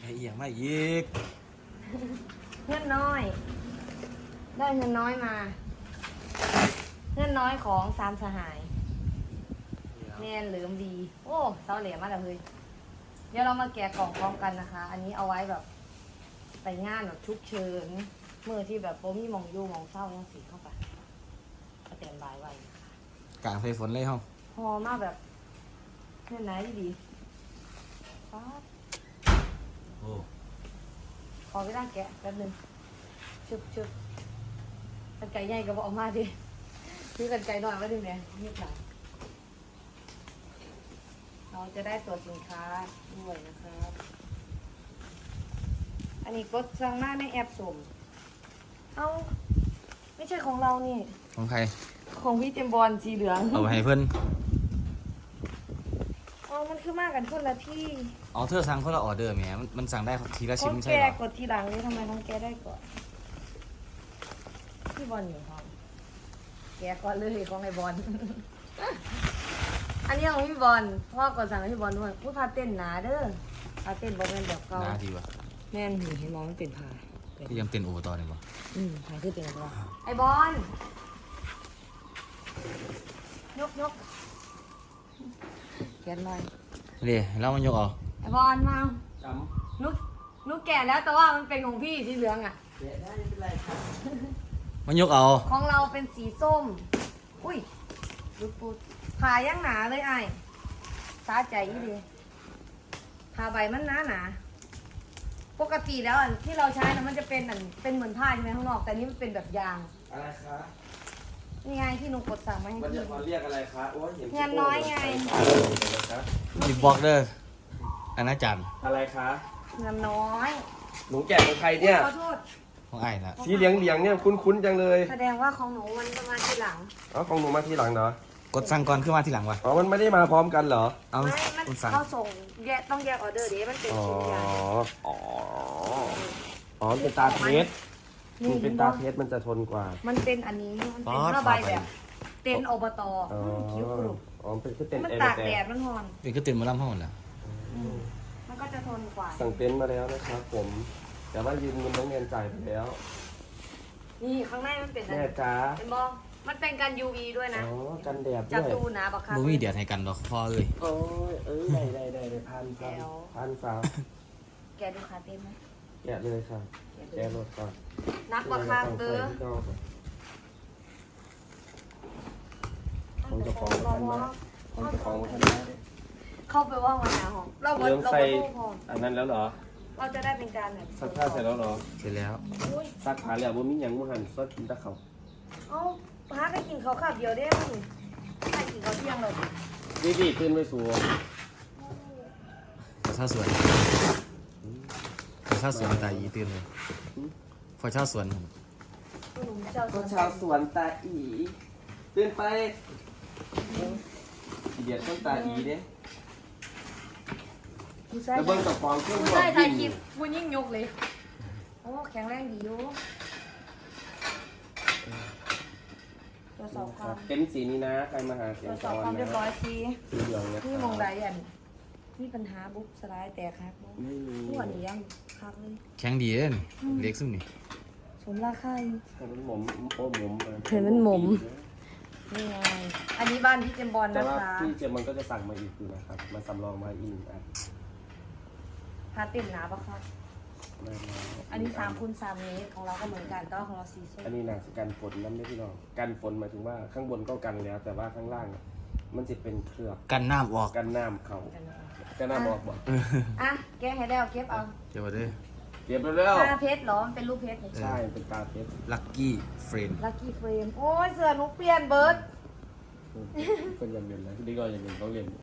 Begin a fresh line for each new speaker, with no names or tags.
เอียงมาอีก
เงินน้อย ได้เงินน้อยมาเงินน้อยของสามสหายแนนเหลือมดีโอ้เสาเหลี่ยมมากเลยเดี๋ยวเรามาแกะกล่องพร้อมกันนะคะ อันนี้เอาไว้แบบไปงานแบบชุกเชิญเมื่อที่แบบโป๊มีมองยูมองเศร้าต้องสีเข้าไปก็เตรียมบายไว้นะคะ
กลางไฟฝนเลยเฮา
พอมากแบบเงินไหนดีป๊าด
โอ้
ขอไปตั้งแกะแป๊บนึงชึบกันไก่ใหญ่ก็บอกออกมาดิซื้อกันไก่หน่อยไว้ดิแม่เงียบหน่อยเราจะได้ตรวจสินค้าด้วยนะครับ อันนี้กดสั่งหน้าในแอปสุ่มเอ้าไม่ใช่ของเรานี่
ของใคร
ของพี่เจมบอลสีเหลือง
เอาไปให้เพื่อน
อ๋อมันคือมากกันคนละที่
อ๋อเธอสั่งคนละออเดอร์แหมมันสั่งได้ทีละชิ้น
ของ
ไม่ใช่
แก
เหรอก
ดทีหลังนี่ทำไมน้องแกได้ก่อนพี่บอลอยู่ห้องแกก่อนเลยของไอ้บอล อันนี้ของพี่บอลพ่อกดสั่งให้พี่บอลด้วยพูดพาเต้นหนาเด้อพาเต้นบอกเป็นแบบเก่า
น่าดีวะ
แม่นหนูเห็นมองมันเป็นพา
ที่ยังเต้นโอต่อเลยวะ
พาคือเป็นอะไรไอ้บอลยกแกนลอย
นี่เรามันยกเอา
ไอ้บอลมานุกแก่แล้วแต่ว่ามันเป็นของพี่สีเหลืองอ่ะ
มันยกเอา
ของเราเป็นสีส้ม อุ้ยดูปูผ่าย่างหนาเลยไอ้สาใจอีดีผ่าใบมันหนา ปกติแล้วอันที่เราใช้นะมันจะเป็นเป็นเหมือนผ้าใช่ไหมข้างนอก แต่นี่มันเป็นแบบยาง
อะไรคะ
นี่ไงที่หนูกดสั่งมาให้
มัน
พี่
จะมาเรียกอะไรคะโอ้ยเห็น
งานน้อยไง
มีบล็อกเด้ออันนั้นจัน
อะไรคะ
เงินน้อย
หนูแกะของใครเนี่ย
ขอโทษ
ของไอ้ละ
สีเหลียงเนี่ยคุ้นๆจังเลย
แสดงว่าของหนูมันจะมาทีหลัง
อ๋อของหนูมาทีหลังเหรอก
ดสั่งก่อนขึ้นมาทีหลังวะ
อ๋อมันไม่ได้มาพร้อมกันเหรอ
เอา
ไม่มัน
คุณสั่ง
เขาส่งต้องแยกออเดอร์เดี๋ยวมันเป็น
อ๋อ
ชิ้นใหญ่
อ๋ออ๋อมันเป็นตาเพชรมันเป็นตาเพชรมันจะทนกว่า
มันเป็นอันนี้มันเป็นผ้าใบแบบ เต็นอบต
อ๋อ
คิ้วกรุบ
อ๋อเป็นคือเต็น
มัน
เอ
ตาก
แต่
แดดมันหอน
เป็นก็เต้นมาล่ำห้องแหละ
มันก็จะทนกว่า
สั่งเต็นท์มาแล้วนะครับผม แต่ว่ายืมเงินน้องเงินจ่ายไปแล้ว
นี่ข้างในมันเป็นอะไร
แม่จ้า
เป็นบอมันเป็นกัน UV ด้วยนะ
อ๋อกันแดด
จับ
ด้วย
ดูนะบักคั
บ่มีเดียดให้กันดอกพ่อเอ้ย
โอ้ยได้พันสาว
แกดูขาเต็มไหม
แกะเลยค่ะแกะรถก่อน
นักบักคัเด้อ
ของเจ้าของท่านมาของเจ้าของท่านมา
เข้าไปว่าวันหาห้องเราบ
เริ่ม
เรา
ใส่
บพอ
อันนั้นแล้วเหรอ
เราจะได้เป็นการแบบ
ซักผ้าเสร็จแล้วเหรอ
เสร็จแล้ว
อุ้ย
ซักผ้าแล้วบ่มีหยังบ่หันซดกินแตะเขา
เอ้าพาไปกินข้าวขับเดียวได้มั้ยไปกินข้าวเที่ยงเลย
ดีตื่นไปสู่
พอเช่าสวนพอเช่าสวนตาอีตื่นเลยพอเช่าสวน
ก็ชาวสวนตาอีตื่นไปเดียดต้นตาอีเด้
ผู้ชาย
แล้วเบิ่งกับฟองเครื่อง
ผู้
บอ
ชาย
ก
ถ่าย
กิ
คลิ
น
ปผู้ยิ่งยกเลยโอ้แข็งแรงดีอยู่ตรวจสอบความ
เป็นสีนี้นะใครมาหาเสี
ต
ย
รง วจส
ก่
อบ
อน
ความเรียบร้
นะ
อยสิ
สีเหลืองนะ
นี่มองใดอันมีปัญหาบุ๊บสไลด์แตกครับ
ไม่มี
หัวนี่ยังคักเลย
แข็งดีเด้นเล็กซุ่มนี่
สมราคาอยู่
ให้มันหมมโอ้หมมไป
เห็นมันหมม นี่ไงอันนี้บ้านพี่เจมบอล
แต่
นะ
ว่า
คะ
พี่เจมมันก็จะสั่งมาอีกอยู่นะครับมาสำรองมาอีกอัน
พาติ่มหนาปะคะ
ได้แล้ว
อันนี้3 คูณ 3 เมตรของเราก็เหมือนกันแต่ว่าของเรา4 เส้น
อันนี้น่าจะกันฝนนั่นไม่พี่น้องกันฝนหมายถึงว่าข้างบนก็กันแล้ว แต่ว่าข้างล่างอะมันจะเป็นเคลือบ
กันน้ำออก
กันน้ำเขา
กันนะคะ
กันน้ำออกบ่
อ่ะแกะให้แล้วเก็บเอา
เดี๋ยวมาด้วย
เก็บแล้ว
ตาเพชรเหรอมันเป็นรูปเพชรนี่
ใช่เป็นตาเพชร
ลักกี้เฟรน
ลัคกี้เฟรมโอ้ยเสื้อหนูเปลี่ยนเบิร์ด
เป็นยันเย็นนะดีก็ยันเย็นต้องเรียน